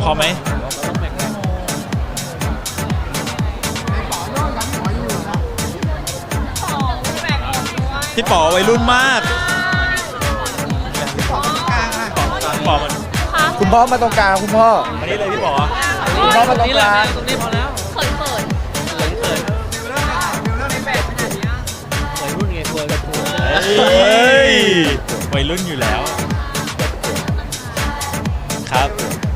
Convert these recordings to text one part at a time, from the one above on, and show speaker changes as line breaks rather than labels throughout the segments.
พอไหมพี่ป๋อวัยรุ่นมากป๋อมัน
คุณพ่อมาตรงกลางคุณพ่อ
มานี่เลยพี่ป๋อ
คุณพ่อมาตรงกลาง
ตรงนี้พอแล้ว
เขิน
เขินวัยรุ่นไงวัยรุ่น
เฮ้ยวัยรุ่นอยู่แล้วครับ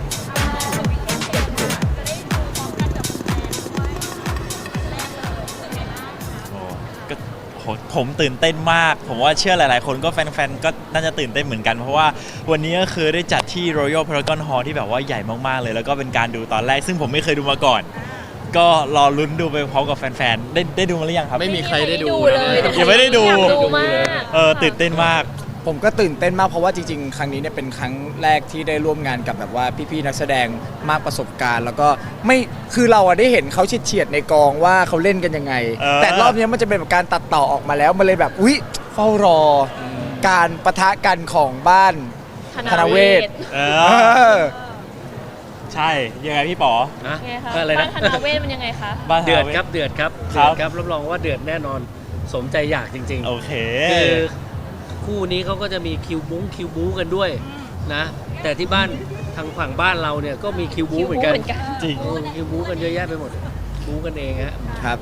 ก็ผมตื่นเต้นมากผมว่าเชื่อหลายๆคนก็แฟนๆก็น่าจะตื่นเต้นเหมือนกันเพราะว่าวันนี้ก็คือได้จัดที่ Royal Paragon Hall ที่แบบว่าใหญ่มากๆเลยแล้วก็เป็นการดูตอนแรกซึ่งผมไม่เคยดูมาก่อนก็รอลุ้นดูไปพร้อมกับแฟนๆได้ดูมาหรือยังครับ
ไม่มีใครได้ดู
เลย
ยังไม่ได้ดู
อยากดูมาก
ตื่นเต้นมาก
ผมก็ตื่นเต้นมากเพราะว่าจริงๆ ครั้งนี้เนี่ยเป็นครั้งแรกที่ได้ร่วมงานกับแบบว่าพี่ๆนักแสดงมากประสบการณ์ แล้วก็ไม่คือเราอะได้เห็นเขาเฉียดๆในกองว่าเขาเล่นกันยังไง แต่รอบนี้มันจะเป็นแบบการตัดต่อออกมาแล้วมันเลยแบบอุ๊ยเฝ้ารอการปะทะกันของบ้านธนเวศ
เอ
เอ
อ
อ
ใช่ยังไงพี่ป๋อ
นะ
ไงคะ
อะไร
บ้า
นะ
นธนาเวศมันยังไงคะ
บ้าน
เดือด
ฮา
ครับเดือดครับ
ครั
เดื
บ
อดครับรับรองว่าเดือดแน่นอนสมใจอยากจริง
โอเค
ๆคือคู่นี้เขาก็จะมีคิวบู๊กันด้วยนะแต่ที่บ้านทางฝั่งบ้านเราเนี่ยก็มีคิวบู๊เหมือนกัน
จริง
คิวบู๊กันเยอะแยะไปหมดบู๊กันเองฮะ
ครับ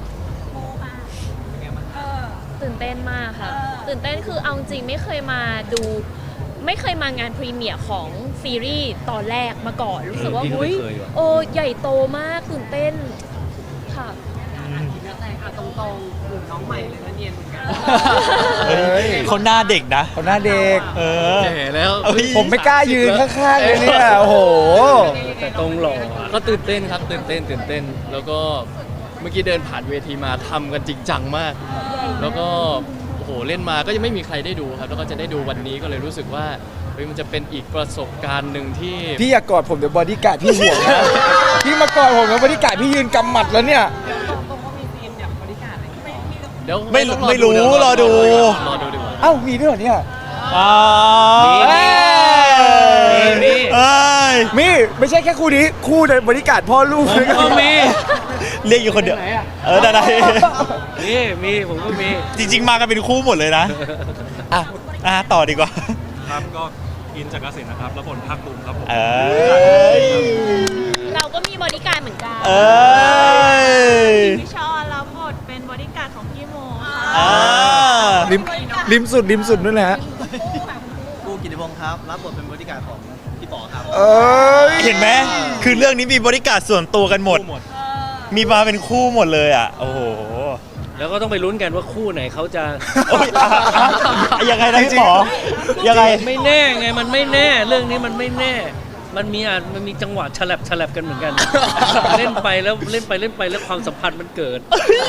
ตื่นเต้นมากค่ะ ตื่นเต้นคือเอาจริงไม่เคยมาดูไม่เคยมางานพรีเมียร์ของซีรีส์ตอนแรกมาก่อนรู้สึกว่า
พี่ก็
อุ้ย
ไม่เคยว่ะ
โอ้ใหญ่โตมากตื่นเต้นค่ะ
เฮ้ยคนหน้าเด็กนะ
คนหน้าเด็ก
เออ
แก่แล้ว
เอ้ย
ผมไม่กล้ายืนข้างๆเลยเนี่ยโอ้โห
แต่ตรงหล่ออะ
ก็ตื่นเต้นครับตื่นเต้นแล้วก็เมื่อกี้เดินผ่านเวทีมาทำกันจริงจังมาก แล้วก็โอ้โหเล่นมาก็ยังไม่มีใครได้ดูครับแล้วก็จะได้ดูวันนี้ก็เลยรู้สึกว่าเฮ้ยมันจะเป็นอีกประสบการณ์หนึ่งที่
พี่อย่ากอดผมเดี๋ยวบอดี้การ์ดพี่ห่วงนะ พี่มากอดผมแล้วบอดี้การ์ดพี่ยืนกำหมัดแล้วเนี่ย
เดี๋ยว
ไม่
ต้อง
ไม่รู้
เดี๋ยว
รอดู
รอดูดีกว่า
เอ้ามีด้วยเหรอเนี่ย
อ่า
มี
เอ้ย
มีไม่ใช่แค่คู่นี้คู่ในบริการดพ่อลูกเลย
ก็มี
เรียกอยู่คนเดียว ได้
มีผมก็มี
จริง ๆ มากันเป็นคู่หมดเลยนะ
อ่ะ
ต่อดีกว่า
ครับก็อินจากเกษตรนะครับแล้วผลภาคภูมิครับผม
เอ้ย
เราก็มีบริการเหมือนกัน
เอ้ย
พี่ชอรับบทเป็นบริการดของพี่โมค่ะ
อ่า
ริมสุดนู่นแหละฮะ
กูกิติพงศ์ครับ รับบทเป็นบริการของพี่ป๋อครับ
เอ้ย
เห็นไหมคือเรื่องนี้มีบริการส่วนตัวกันหมด มีมาเป็นคู่หมดเลยอ่ะ โอ้โห
แล้วก็ต้องไปลุ้นกันว่าคู่ไหนเขาจะ
โอ้ยยังไงนะพี่หมอยังไง
ไม่แน่ไงมันไม่แน่เรื่องนี้มันไม่แน่ มันมีจังหวะฉลับกันเหมือนกัน เล่นไปแล้วแล้วความสัมพันธ์มันเกิด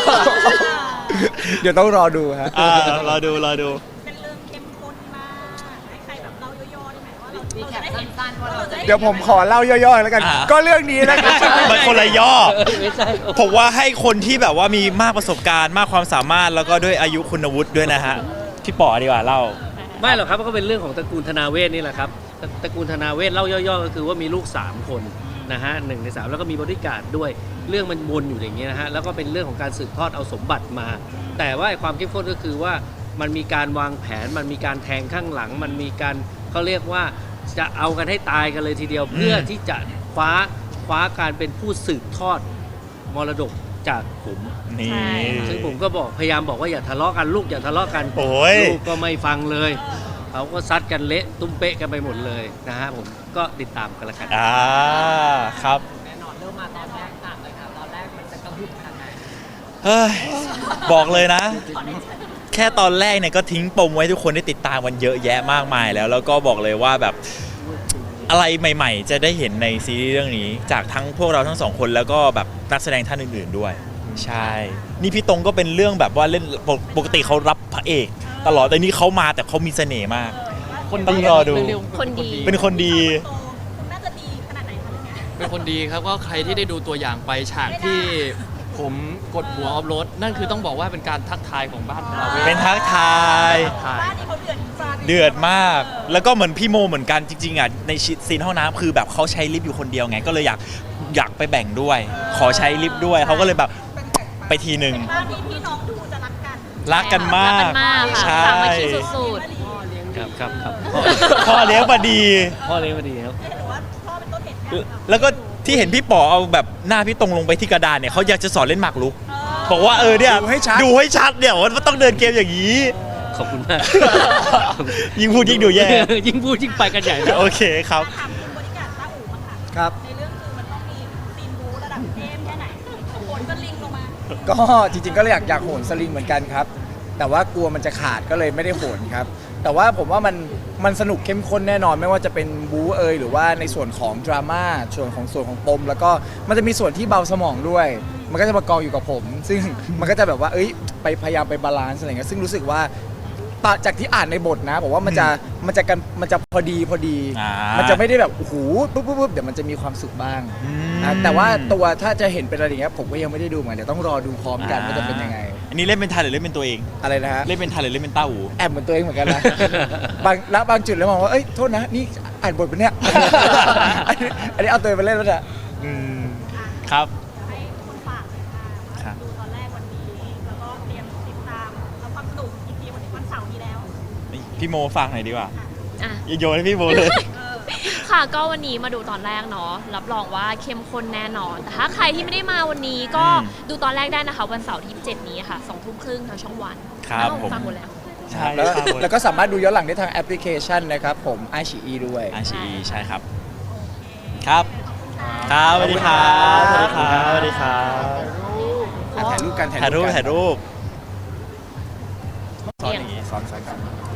เดี๋ยวต้องรอดูฮะ
รอดู
เป็นเรื่องเข้มข้นมากให้ใครแบบเล่าย่อๆได้ไหมว่าเราจะได้เห็นสั้นๆว่าเราจะได้
เดี๋ยวผมขอเล่าย่อๆแล้วกัน ก็เรื่องนี้นะครับ
มันคนละย่อ
ไม่ใช่
ผมว่าให้คนที่แบบว่ามีมากประสบการณ์มากความสามารถแล้วก็ด้วยอายุคุณวุฒิด้วยนะฮะ พี่ป๋อดีกว่าเล่า
ไม่หรอกครับก็เป็นเรื่องของตระกูลธนาเวศนี่แหละครับตระกูลธนาเวศเล่าย่อๆก็คือว่ามีลูก 3 คนนะฮะ1 ใน 3แล้วก็มีบริการดด้วยเรื่องมันวนอยู่อย่างเงี้ยนะฮะแล้วก็เป็นเรื่องของการสืบทอดเอาสมบัติมา แต่ว่าความเข้มข้นก็คือว่ามันมีการวางแผนมันมีการแทงข้างหลัง มันมีการเขาเรียกว่าจะเอากันให้ตายกันเลยทีเดียว เพื่อที่จะคว้าการเป็นผู้สืบทอดมรดกจากผม
นี่
ใช่
ซึ่งผมก็พยายามบอกว่าอย่าทะเลาะกันลูกอย่าทะเลาะกัน
โอ้ย
ลูกก็ไม่ฟังเลยเขาก็ซัดกันเละตุ้มเป๊ะกันไปหมดเลยนะฮะผมก็ติดตามกันละกัน
ครับ
แน่นอนเริ่มมาตอนแรกต่างเลยครับตอนแรกมันจะกระหึ่มขนาดไหน
เฮ้ย บอกเลยนะ แค่ตอนแรกเนี่ยก็ทิ้งปมไว้ทุกคนได้ติดตามกันเยอะแยะมากมายแล้วก็บอกเลยว่าแบบอะไรใหม่ๆ จะได้เห็นในซีรีส์เรื่องนี้ จากทั้งพวกเราทั้งสองคนแล้วก็แบบนักแสดงท่านอื่นๆด้วย ใช่ นี่พี่ตรงก็เป็นเรื่องแบบว่าเล่นปกติเขารับพระเอก ตลอดแต่นี่เขามาแต่เขามีเสน่ห์มากต้องรอดู
คนดี
เป็นคนดี
น่าจะดีขนาดไหนคะเรื่องเนี้ย
เป็นคนดีครับก็ใครที่ได้ดูตัวอย่างไปฉากที่ผมกดหัวออฟโรดนั่นคือต้องบอกว่าเป็นการทักทายของบ้านเรา
เป็นทักทาย
บ้านนี้เขาเดือดจริง
เดือดมาก แล้วก็เหมือนพี่โมเหมือนกันจริงๆอ่ะในซีนห้องน้ำคือแบบเขาใช้ลิฟต์อยู่คนเดียวไงก็เลยอยากไปแบ่งด้วย ขอใช้ลิฟต์ด้วยเขาก็เลยแบบไปทีหนึ่ง
บ้านนี้พี่น้องดูจะรักกัน
รักกันมาก
รักกันมากค่ะ
ใช่
สามัคคีสุด
ครับครับครับ
พ่อเลี้ยงมาดี
พ่อเลี้ยงมาดีครับ
หรือว่าพ่อเป็นต้นเหตุการณ์
แล้วก็ที่เห็นพี่ป๋อเอาแบบหน้าพี่ตรงลงไปที่กระดานเนี่ยเขาอยากจะสอนเล่นหมากรุกบอกว่าเนี่ย
ดูให้ชัด
ดูให้ชัดเนี่ยว่าต้องเดินเกมอย่างนี้
ขอบคุณมาก
ยิ่งพูดยิ่งดูแย่
ยิ่งพูดยิ่งไปกันใหญ่นะ
โอเคครับ
ถามคุณบริการต้าอู๋บ้างค่ะ
ครับ
ในเรื่องคือมันต้องมีซีนบู๊ระดับเทพแค่ไหนโหนสลิงลงมา
ก็จริงๆก็เลยอยากโหนสลิงเหมือนกันครับ แต่ว่ากลัวมันจะขาดก็เลยไม่ได้โหนครับ แต่ว่าผมว่ามันสนุกเข้มข้นแน่นอนไม่ว่าจะเป็นบู๊หรือว่าในส่วนของดราม่าส่วนของปมแล้วก็มันจะมีส่วนที่เบาสมองด้วย มันก็จะมากองอยู่กับผม ซึ่งมันก็จะแบบว่าไปพยายามไปบาลานซ์อะไรเงี้ยซึ่งรู้สึกว่าจากที่อ่านในบทนะบอกว่ามันจะพอดี
อ่า
มันจะไม่ได้แบบโอ้โหปุ๊บเดี๋ยวมันจะมีความสุขบ้าง นะแต่ว่าตัวถ้าจะเห็นเป็นอะไรอย่างเงี้ยผมก็ยังไม่ได้ดูเหมือนกันเดี๋ยวต้องรอดูพร้อมกันว่าจะเป็นยังไง
อันนี้เล่นเป็นทันหรือเล่นเป็นตัวเอง
อะไรนะฮะ
เล่นเป็นทันหรือเล่นเป็นต้าอู
แอบเหมือนตัวเองเหมือนกันนะ บางจุดแล้วมองว่าเอ้ยโทษนะนี่อ่านบทเป็นเนี่ย อันนี้เอาตัวเองไปเล่นแล้วนะ
ครับ
ให้คุณฝากเลยค่ะ
ครับ
ดูตอนแรกวันนี้ แล้วก็เตรียมติดตามแล้วความสนุกอีกทีวันเสาร์นี้แล้ว
พี่โมฟังหน่อยดีกว่า
ๆอ่ะ
อย่าโยนให้พี่โมเลย
ค่ะก็วันนี้มาดูตอนแรกเนาะรับรองว่าเข้มข้นแน่นอน แต่ถ้าใครที่ไม่ได้มาวันนี้ก็
อืม
ดูตอนแรกได้นะคะ วันเสาร์ที่7นี้ค่ะ20:30ทางช่องวัน
ครับ
อ้าว
ผม
ฟังหมดแล้ว
ใช่
แล้ว
ครับ
แล้วก็สามารถดูย้อนหลังได้ทางแอปพลิเคชันนะครับผมไอชีด้วย
อาชีใช่ครับ ครับ ครับสวัสดีครับ สวัสดีครับ สวัสดีครับ
ถ่ายรูปกัน
ถ่ายรูป
กัน
ถ่ายรูป
เอียง
ซ้อนกัน